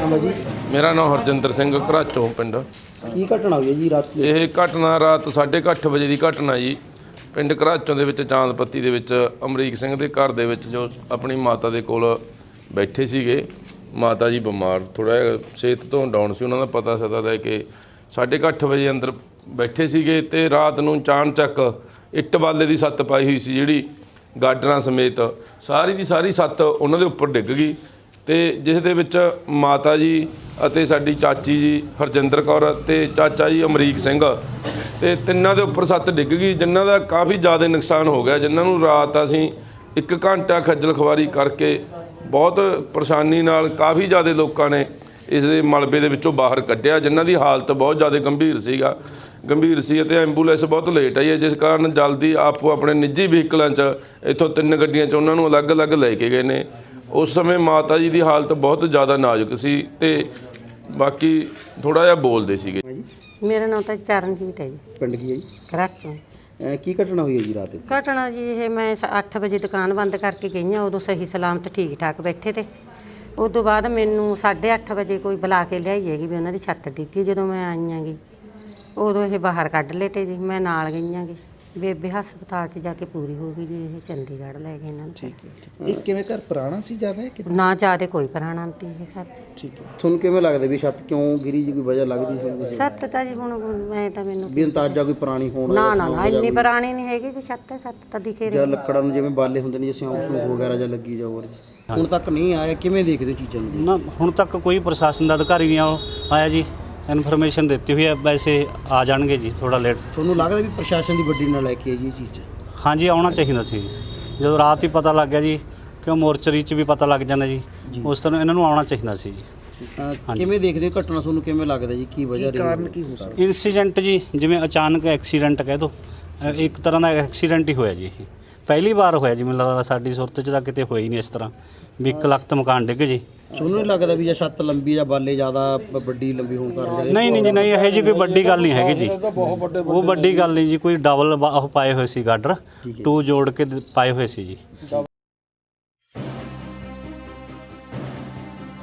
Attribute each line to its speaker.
Speaker 1: नाम है जी?
Speaker 2: मेरा नाम हरजिंदर सिंह घराचों पिंड।
Speaker 1: की घटना हुई है जी रात?
Speaker 2: ਇਹ ਘਟਨਾ ਰਾਤ 8:30 ਵਜੇ ਦੀ ਘਟਨਾ ਜੀ। ਪਿੰਡ ਘਰਾਚੋਂ ਦੇ ਵਿੱਚ ਚਾਂਦਪੱਤੀ ਦੇ ਵਿੱਚ ਅਮਰੀਕ ਸਿੰਘ ਦੇ ਘਰ ਦੇ ਵਿੱਚ ਜੋ ਆਪਣੀ ਮਾਤਾ ਦੇ ਕੋਲ ਬੈਠੇ ਸੀਗੇ। ਮਾਤਾ ਜੀ ਬਿਮਾਰ ਥੋੜ੍ਹਾ ਜਿਹਾ ਸਿਹਤ ਤੋਂ ਡਾਊਨ ਸੀ, ਉਹਨਾਂ ਦਾ ਪਤਾ ਸਦਾ ਲੈ ਕੇ 8:30 ਵਜੇ ਅੰਦਰ ਬੈਠੇ ਸੀਗੇ ਤੇ ਰਾਤ ਨੂੰ ਚਾਣਚੱਕ ਇੱਟ ਬਾਲੇ ਦੀ ਛੱਤ ਪਾਈ ਹੋਈ ਸੀ ਜਿਹੜੀ ਗਾਡਰਾਂ ਸਮੇਤ ਸਾਰੀ ਦੀ ਸਾਰੀ ਛੱਤ ਉਹਨਾਂ ਦੇ ਉੱਪਰ ਡਿੱਗ ਗਈ ਤੇ ਜਿਸ ਦੇ ਵਿੱਚ ਮਾਤਾ ਜੀ ਅਤੇ ਸਾਡੀ ਚਾਚੀ ਜੀ ਹਰਜਿੰਦਰ ਕੌਰ ਤੇ ਚਾਚਾ ਜੀ ਅਮਰੀਕ ਸਿੰਘ ਤੇ ਤਿੰਨਾਂ ਦੇ ਉੱਪਰ ਛੱਤ ਡਿੱਗ ਗਈ, ਜਿਨ੍ਹਾਂ ਦਾ ਕਾਫੀ ਜ਼ਿਆਦਾ ਨੁਕਸਾਨ ਹੋ ਗਿਆ, ਜਿਨ੍ਹਾਂ ਨੂੰ ਰਾਤ ਅਸੀਂ 1 ਘੰਟਾ ਖੱਜਲ ਖਵਾਰੀ ਕਰਕੇ ਬਹੁਤ ਪਰੇਸ਼ਾਨੀ ਨਾਲ ਕਾਫੀ ਜ਼ਿਆਦਾ ਲੋਕਾਂ ਨੇ ਇਸ ਦੇ ਮਲਬੇ ਦੇ ਵਿੱਚੋਂ ਬਾਹਰ ਕੱਢਿਆ, ਜਿਨ੍ਹਾਂ ਦੀ ਹਾਲਤ ਬਹੁਤ ਜ਼ਿਆਦਾ ਗੰਭੀਰ ਸੀ ਅਤੇ ਐਂਬੂਲੈਂਸ ਬਹੁਤ ਲੇਟ ਆਈ ਹੈ, ਜਿਸ ਕਾਰਨ ਜਲਦੀ ਆਪੋ ਆਪਣੇ ਨਿੱਜੀ ਵਹੀਕਲਾਂ 'ਚ ਇੱਥੋਂ 3 ਗੱਡੀਆਂ 'ਚ ਉਹਨਾਂ ਨੂੰ ਅਲੱਗ-ਅਲੱਗ ਲੈ ਕੇ ਗਏ ਨੇ। ਉਸ ਸਮੇਂ ਮਾਤਾ ਜੀ ਦੀ ਹਾਲਤ ਬਹੁਤ ਜ਼ਿਆਦਾ ਨਾਜ਼ੁਕ ਸੀ ਤੇ ਬਾਕੀ ਥੋੜ੍ਹਾ ਜਿਹਾ ਬੋਲਦੇ ਸੀਗੇ।
Speaker 3: ਮੇਰਾ ਨਾਮ ਤਾਂ ਚਰਨਜੀਤ ਹੈ ਜੀ।
Speaker 1: पिंड की है जी?
Speaker 3: ਘਰਾਚੋਂ।
Speaker 1: की घटना हुई है जी रात?
Speaker 3: ਘਟਨਾ ਜੀ ਇਹ ਮੈਂ 8 ਵਜੇ ਦੁਕਾਨ ਬੰਦ ਕਰਕੇ ਗਈ ਹਾਂ, ਉਦੋਂ ਸਹੀ ਸਲਾਮਤ ਠੀਕ ਠਾਕ ਬੈਠੇ ਤੇ ਉਦੋਂ ਬਾਅਦ ਮੈਨੂੰ 8:30 ਵਜੇ ਕੋਈ ਬੁਲਾ ਕੇ ਲਿਆਈ ਹੈਗੀ ਵੀ ਉਹਨਾਂ ਦੀ ਛੱਤ ਡਿੱਗੀ। ਜਦੋਂ ਮੈਂ ਆਈ ਆਂਗੀ ਉਦੋਂ ਇਹ ਬਾਹਰ ਕੱਢ ਲਏ ਤੇ ਜੀ ਮੈਂ ਨਾਲ ਗਈ ਆਂਗੀ। ਬੇਬੇ ਹਸਪਤਾਲ 'ਚ ਜਾ ਕੇ ਪੂਰੀ ਹੋ ਗਈ ਜੀ। ਇਹ ਚੰਡੀਗੜ੍ਹ ਲੈ ਗਏ ਇਹਨਾਂ ਨੂੰ।
Speaker 1: ठीक है। ਇਹ ਕਿਵੇਂ ਘਰ ਪੁਰਾਣਾ ਸੀ ਜ਼ਿਆਦਾ ਕਿ?
Speaker 3: ਨਾ ਜ਼ਿਆਦਾ ਕੋਈ ਪੁਰਾਣਾ ਨਹੀਂ ਇਹ ਘਰ 'ਚ।
Speaker 1: ਠੀਕ ਹੈ। ਤੁਹਾਨੂੰ ਕਿਵੇਂ ਲੱਗਦਾ ਵੀ ਛੱਤ ਕਿਉਂ ਗਿਰੀ ਜੀ? ਕੋਈ ਵਜ੍ਹਾ ਲੱਗਦੀ ਸੀ?
Speaker 3: ਛੱਤ ਤਾਂ ਜੀ ਹੁਣ ਮੈਂ ਤਾਂ ਮੈਨੂੰ
Speaker 1: ਵੀ ਅੰਦਾਜ਼ਾ ਕੋਈ ਪੁਰਾਣੀ ਹੋਣ
Speaker 3: ਨਾ ਇੰਨੀ ਪੁਰਾਣੀ ਨਹੀਂ ਹੈਗੀ ਜੀ। ਛੱਤ ਤਾਂ ਦਿਖੇ ਰਹੀ।
Speaker 1: ਜਾਂ ਲੱਕੜਾਂ ਨੂੰ ਜਿਵੇਂ ਬਾਲੇ ਹੁੰਦੇ ਨੇ ਜਿਵੇਂ ਸਿਉਂਕ ਵਗੈਰਾ ਜਾਂ ਲੱਗੀ ਜਾਓ, ਹੁਣ ਤੱਕ ਨਹੀਂ ਆਇਆ, ਕਿਵੇਂ ਦੇਖਦੇ ਹੋ ਚੀਜ਼ਾਂ ਨੂੰ?
Speaker 4: ਨਾ ਹੁਣ ਤੱਕ ਕੋਈ ਪ੍ਰਸ਼ਾਸਨ ਦਾ ਅਧਿਕਾਰੀ ਨਹੀਂ ਆਇਆ ਜੀ। ਇਨਫੋਰਮੇਸ਼ਨ ਦਿੱਤੀ ਹੋਈ ਹੈ, ਵੈਸੇ ਆ ਜਾਣਗੇ ਜੀ ਥੋੜਾ ਲੇਟ।
Speaker 1: ਤੁਹਾਨੂੰ ਲੱਗਦਾ ਵੀ ਪ੍ਰਸ਼ਾਸਨ ਦੀ ਵੱਡੀ ਨਾਲ ਲੈ ਕੇ ਆਈ ਇਹ ਚੀਜ਼ 'ਚ?
Speaker 4: ਹਾਂਜੀ ਆਉਣਾ ਚਾਹੀਦਾ ਸੀ। ਜਦੋਂ ਰਾਤ ਹੀ ਪਤਾ ਲੱਗ ਗਿਆ ਜੀ, ਕਿਉਂ ਮੋਰਚਰੀ 'ਚ ਵੀ ਪਤਾ ਲੱਗ ਜਾਂਦਾ ਜੀ, ਉਸ ਤਰ੍ਹਾਂ ਇਹਨਾਂ ਨੂੰ ਆਉਣਾ ਚਾਹੀਦਾ ਸੀ ਜੀ।
Speaker 1: ਕਿਵੇਂ ਦੇਖਦੇ ਹੋ ਘਟਨਾ? ਤੁਹਾਨੂੰ ਕਿਵੇਂ ਲੱਗਦਾ ਜੀ ਕੀ ਵਜ੍ਹਾ ਰਹੀ? ਕਾਰਨ ਕੀ ਹੋ ਸਕਦਾ?
Speaker 4: ਇਨਸੀਡੈਂਟ ਜੀ ਜਿਵੇਂ ਅਚਾਨਕ ਐਕਸੀਡੈਂਟ ਕਹਿ ਦਿਓ, ਇੱਕ ਤਰ੍ਹਾਂ ਦਾ ਐਕਸੀਡੈਂਟ ਹੀ ਹੋਇਆ ਜੀ। ਇਹ ਪਹਿਲੀ ਵਾਰ ਹੋਇਆ ਜੀ, ਮੈਨੂੰ ਲੱਗਦਾ ਸਾਡੀ ਸੁਰਤ 'ਚ ਤਾਂ ਕਿਤੇ ਹੋਈ ਨਹੀਂ ਇਸ ਤਰ੍ਹਾਂ ਵੀ ਇੱਕ ਲੱਖਤ ਮਕਾਨ ਡਿੱਗ ਜੀ।
Speaker 1: ਤੁਹਾਨੂੰ ਨਹੀਂ ਲੱਗਦਾ ਵੀ ਜੇ ਛੱਤ ਲੰਬੀ ਜਾਂ ਬਾਲੇ ਜ਼ਿਆਦਾ ਵੱਡੀ ਲੰਬੀ ਹੋਣ ਕਾਰਨ?
Speaker 4: ਨਹੀਂ ਜੀ ਨਹੀਂ, ਇਹੋ ਜਿਹੀ ਕੋਈ ਵੱਡੀ ਗੱਲ ਨਹੀਂ ਹੈਗੀ ਜੀ। ਉਹ ਵੱਡੀ ਗੱਲ ਨਹੀਂ ਜੀ, ਕੋਈ ਡਬਲ ਉਹ ਪਾਏ ਹੋਏ ਸੀ ਗਾਡਰ 2 ਜੋੜ ਕੇ ਪਾਏ ਹੋਏ ਸੀ ਜੀ।